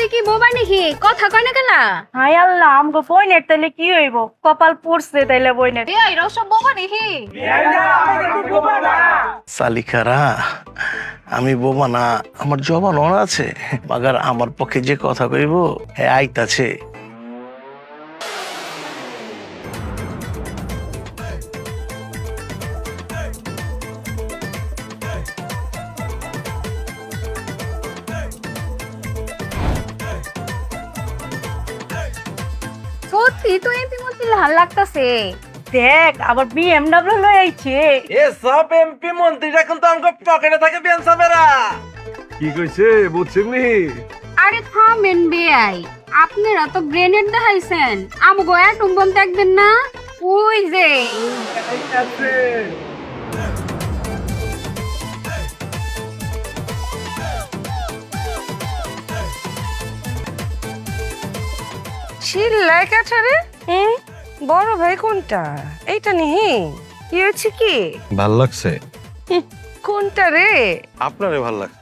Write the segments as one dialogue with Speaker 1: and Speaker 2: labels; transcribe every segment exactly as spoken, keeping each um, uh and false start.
Speaker 1: তুই কি বোবা নাকি কথা কয় না কেলা?
Speaker 2: হাই আল্লাহ, আমগো বইনের তাইলে কি হইব? কপাল পড়ছে তাইলে বইনের।
Speaker 1: এই এরা সব বোবা নাকি?
Speaker 3: সালিকারা, আমি বোবা না, আমার জবান অন আছে, মাগার আমার পক্ষে যে কথা কইব হ্যাঁ আইতাছে।
Speaker 1: সত্যি তো এমপি মন্ত্রী লাল লাগতাছে।
Speaker 2: দেখ আবার বিএমডব্লিউ লই আইছে।
Speaker 4: এ সব এমপি মন্ত্রীরা কিন্তু আমগো পকেটে থাকে বেনসাবেরা।
Speaker 5: কি কইছে বুঝছেন নি?
Speaker 1: আরে থামেন বেআই, আপনারা তো গ্রেনেড দেখাইছেন, আমগো অ্যাটম বম দেখবেন না? ওই যে
Speaker 6: চিল্লায় কাছারে। হুম, বড় ভাই কোনটা? এইটা নিহি? কি হয়েছে কি?
Speaker 5: ভাল লাগছে
Speaker 6: কোনটা রে?
Speaker 5: আপনারে ভাল লাগছে।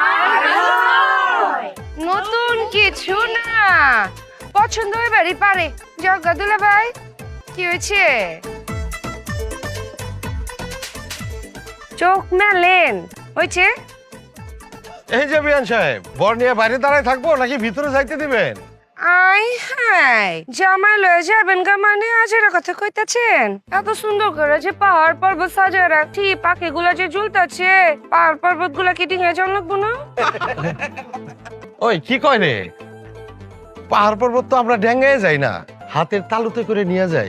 Speaker 6: নতুন কিছু না, পছন্দ হইবারই পারে। জগা দুলা ভাই, কি হয়েছে? চোখ মেলেন হয়েছে?
Speaker 5: এই যে বিয়ান সাহেব, বর নিয়ে বাইরে দাঁড়ায় থাকবো নাকি ভিতরে যাইতে দিবেন?
Speaker 6: আই হাই, জামাই লয়ে যাবেন গা মানে আজের কথা কইতাছেন? এত সুন্দর করে যে পাহাড় পর্বত সাজায় রাখছি, পাখি গুলা যে ঝুলতাছে, পাহাড় পর্বত গুলা কি ডিঙে জল লাগবো না?
Speaker 5: ওই কি কয় রে, পাহাড় পর্বত তো আমরা ডেঙ্গায় যাই না, হাতের তালুতে করে নিয়ে যাই।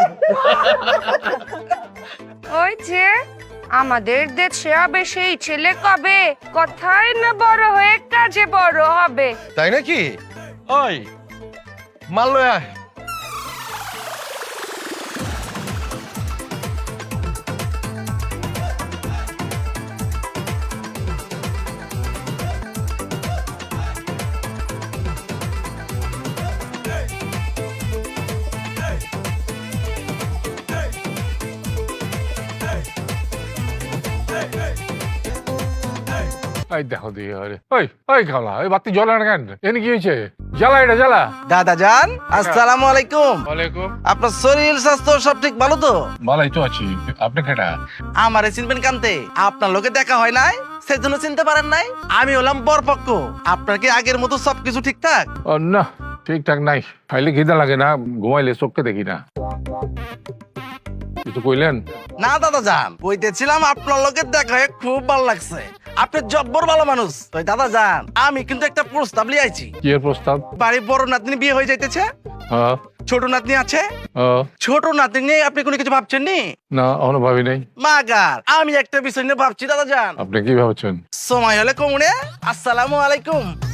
Speaker 6: ওই যে আমাদের দেশে হবে সেই ছেলে কবে, কথাই না বড় হয়ে কাজে বড় হবে।
Speaker 5: তাই নাকি? ওই মাল লয়ে আয়।
Speaker 7: এই দেখো দিয়ে আরে ওই ওই খালা ওই বাতি জ্বলে না কেন? এনে কি হয়েছে? জ্বালা এটা জ্বালা।
Speaker 4: দাদা জান, আসসালামু আলাইকুম।
Speaker 7: ওয়ালাইকুম।
Speaker 4: আপনার শরীর স্বাস্থ্য সব ঠিক ভালো তো?
Speaker 7: ভালোই তো আছি। আপনি কেটা?
Speaker 4: আমারে চিনবেন কান্তে, আপনার লোকে দেখা হয় নাই সেজন্য চিনতে পারেন নাই। আমি হলাম বরপক্ষ। আপনার কি আগের মতো সবকিছু ঠিকঠাক?
Speaker 7: ও না, ঠিকঠাক নাই। খাইলে খিদা লাগে না, ঘুমাইলে চোখকে দেখি না। কিছু কইলেন?
Speaker 4: না দাদা জান, কইতেছিলাম আপনার লোকে দেখা হয়ে খুব ভালো লাগছে। আপনি জব্বর ভালো মানুষ। তো দাদা জান, আমি কিন্তু একটা প্রস্তাব লিয়ে আইছি।
Speaker 7: কি এর প্রস্তাব?
Speaker 4: বাড়ির বড় নাতনি বিয়ে হয়ে যাইতেছে,
Speaker 7: হ্যাঁ
Speaker 4: ছোট নাতনি আছে।
Speaker 7: হ্যাঁ।
Speaker 4: ছোট নাতনি নিয়ে আপনি কোনো কিছু ভাবছেন নি?
Speaker 7: না, এখনো ভাবি নাই।
Speaker 4: মাগার আমি একটা বিষয় নিয়ে ভাবছি দাদা জান।
Speaker 7: আপনি কি ভাবছেন?
Speaker 4: সময় হলে কমুনে। আসসালামু আলাইকুম।